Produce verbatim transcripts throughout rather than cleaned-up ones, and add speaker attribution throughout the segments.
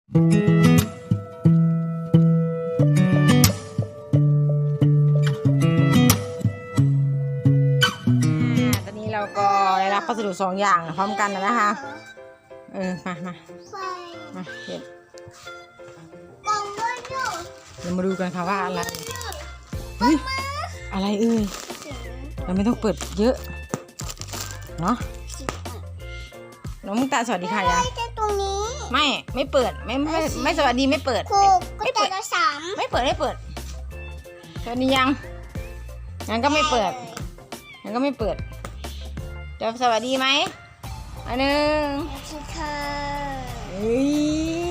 Speaker 1: ตอนนี้เราก็ได้รับพัสดุสองอย่างพร้อมกันแล้วนะคะเออมามามาเห็นเรามาดูกันค่ะว่าอะไรเฮ้ยอะไรเอ่ยเราไม่ต้องเปิดเยอะเนาะน้องมุกตาสวัสดีค่ะยัง
Speaker 2: ตรงนี้
Speaker 1: ไม่ไม่เปิดไม่ไม่ไม่สวัสดีไม่เปิด
Speaker 2: ไม่เปิดสาม
Speaker 1: ไม่เปิดไม่เปิดสวัสดียังงั้นก็ไม่เปิดงั้นก็ไม่เปิดจะสวัสดีไหมอันหนึ่ง
Speaker 2: ค่ะ
Speaker 1: เฮ้ย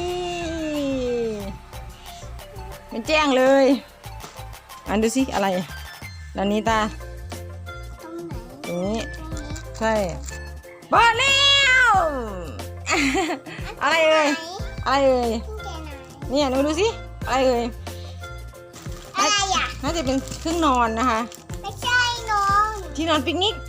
Speaker 1: มันแจ้งเลยอันดูสิอะไรด้านนี้ตาตรงนี้ใช่เปิดแล้วอะไรเอ่ยอะไรเอ่ยเนี่ยดูดูสิอะไรเอ่ย
Speaker 2: อะไรอ่ะ
Speaker 1: น่าจะเป็นเครื่องนอนนะคะ
Speaker 2: ไม่ใช่นอน
Speaker 1: ที่นอนปิกนิก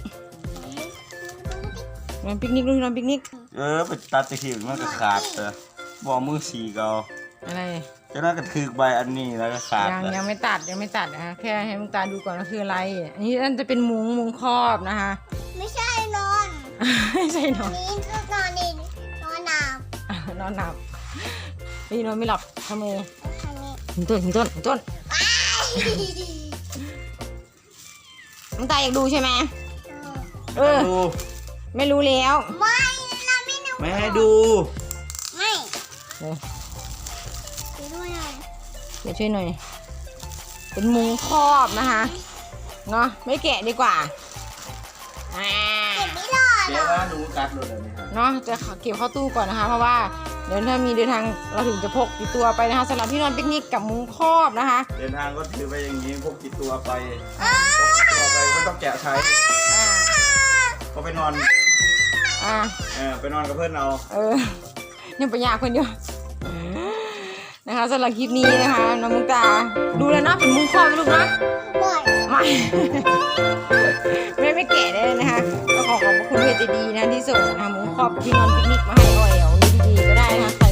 Speaker 1: นอนปิกนิกดูนอนปิกนิก
Speaker 3: เออไปตัดตะขีบมันก็ขาดเลยบอกมือสีเกา
Speaker 1: อะไร
Speaker 3: จะน่าก็ถือใบอันนี้แล้วก็ขาด
Speaker 1: ยังยังไม่ตัดยังไม่ตัดนะคะแค่ให้มุกตาดูก่อนว่าคืออะไรอันนี้นั่นจะเป็นมุ้งมุ้งครอบนะคะ
Speaker 2: ไม่ใช่นอน
Speaker 1: ไม่ใช่นอน
Speaker 2: นี่นอนนี่นอนหนับ
Speaker 1: นอนหนับพี่นอนไม่หลับทำไมหินต้นหินต้นหินต้นมุกตาอยากดูใช่ไหมเออไม่รู้แล้ว
Speaker 2: ไม่เราไม่รู้
Speaker 3: ไม่ให้ดู
Speaker 2: ไม่
Speaker 1: เดี๋ยว
Speaker 2: ช่วยหน่อย
Speaker 1: เดี๋ยวช่วยหน่อยเป็นมุ้งครอบนะคะเนาะไม่แกะดีกว่าอ่า
Speaker 2: เก็บไม่รอดหรอ
Speaker 3: เดี๋ยวว่าหนูกัดเลยไหมครับ
Speaker 1: เนาะจะเก็บเข้าตู้ก่อนนะคะเพราะว่าเดี๋ยวถ้ามีเดินทางเราถึงจะพกติดตัวไปนะคะสำหรับที่นอนปิกนิกกับมุ้งครอบนะคะ
Speaker 3: เดินทางก็ถือไปอย่างนี้พกติดตัวไปพกติดตัวไปก็ต้องแกะใช้ก็ไปนอน
Speaker 1: อ่า
Speaker 3: เออไปนอนกับเพื่อนเรา
Speaker 1: เออยังไปยากคนเดียวนะคะสำหรับคลิปนี้นะคะน้องมุกตาดูแล้วนะเป็นมุ้งครอบลูกนะไม่ไม่ไม่แก่ได้เลยนะคะก็ขอขอบคุณเพจดีนะที่ส่งนะคะมุ้งครอบที่นอนปิกนิกมาให้ออยเอาดีๆก็ได้นะคะ